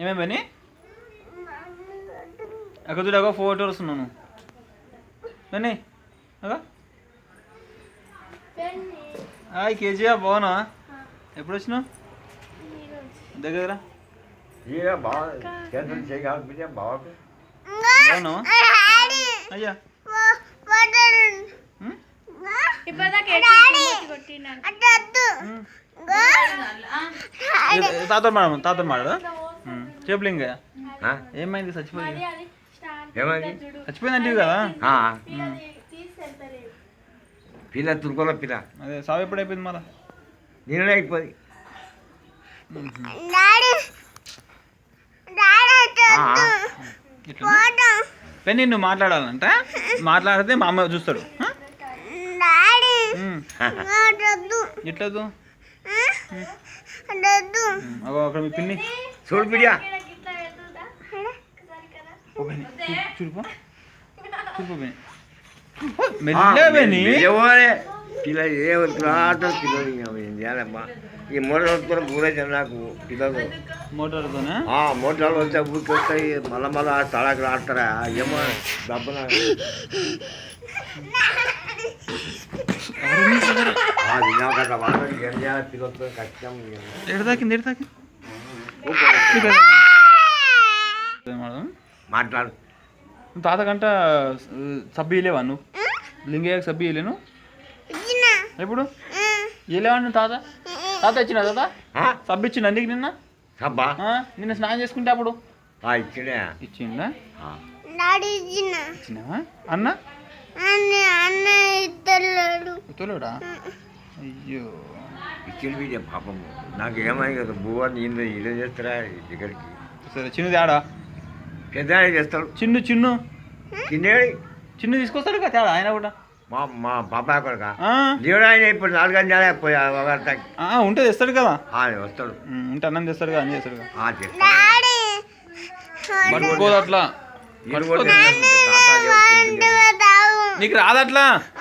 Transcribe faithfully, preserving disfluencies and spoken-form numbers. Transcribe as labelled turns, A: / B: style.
A: ఏమేమి పని అక్క చూడగా ఫోటో వస్తున్నాను పని అగా హాయ్ కేజీయా బాగున్నా ఎప్పుడు వచ్చినావు దగ్గర బాగున్నావా అయ్యా తాత మాడ తాత మాడదా చెప్పులు ఇంకా ఏమైంది చచ్చిపోయింది
B: ఏమైంది
A: చచ్చిపోయిందంటే కదా
B: పిల్ల తురుకోలో పిల్ల
A: అదే సాగు ఎప్పుడు అయిపోయింది మళ్ళా
B: నేనే అయిపోయింది
A: పెన్ని నువ్వు మాట్లాడాలంట మాట్లాడితే మా అమ్మ చూస్తాడు ఎట్లదు అక్కడ మీ పిన్ని
B: చూడు పిడియా
A: చూడుపో చూడుపో మెల్లబెని
B: పిల్ల ఏ ఆట పిల్లలు ఈ మోటార్ పూరే నాకు పిల్లలు
A: మోటార్తోనే
B: మోటార్లు వస్తే ఊరికి వస్తాయి మళ్ళా మళ్ళా తడాకు ఆడతారా ఏమో డబ్బున పిల్లలతో కష్టం
A: ఎడదాకింది ఎడదాకి
B: మాట్లాడు
A: తాతకంట సబ్బు ఇలేవా నువ్వు లింగయ్యకి సబ్బు ఇలేను ఎప్పుడు ఇలేవా తాత తాత ఇచ్చిన తాత సబ్బు ఇచ్చిండు అందుకు నిన్న
B: సబ్బా
A: నిన్న స్నానం చేసుకుంటే అప్పుడు
B: ఇచ్చిండే
A: ఇచ్చిండా ఇచ్చినావా అన్న తోలుడా అయ్యో
B: ఇచ్చిండు బిడ్డ పాపం నాకు ఏమై కదా బువ్వ నేను ఇదే చేస్తారా దగ్గరికి
A: సరే చిన్న తేడా
B: పెద్ద చేస్తాడు
A: చిన్ను చిన్ను
B: చిన్నేడి
A: చిన్ను తీసుకొస్తాడు కదా తేడా ఆయన కూడా
B: మా మా బాబాయ్ కొడుక దేవుడు ఆయన ఇప్పుడు నాలుగు గంటలే పోయా
A: ఉంటే తెస్తాడు కదా
B: వస్తాడు
A: ఉంటే అన్నం తెస్తాడు కదా అన్నీ చేస్తాడు కదా
B: చేస్తాడు
A: పట్టుకోదు అట్లా నీకు రాదట్లా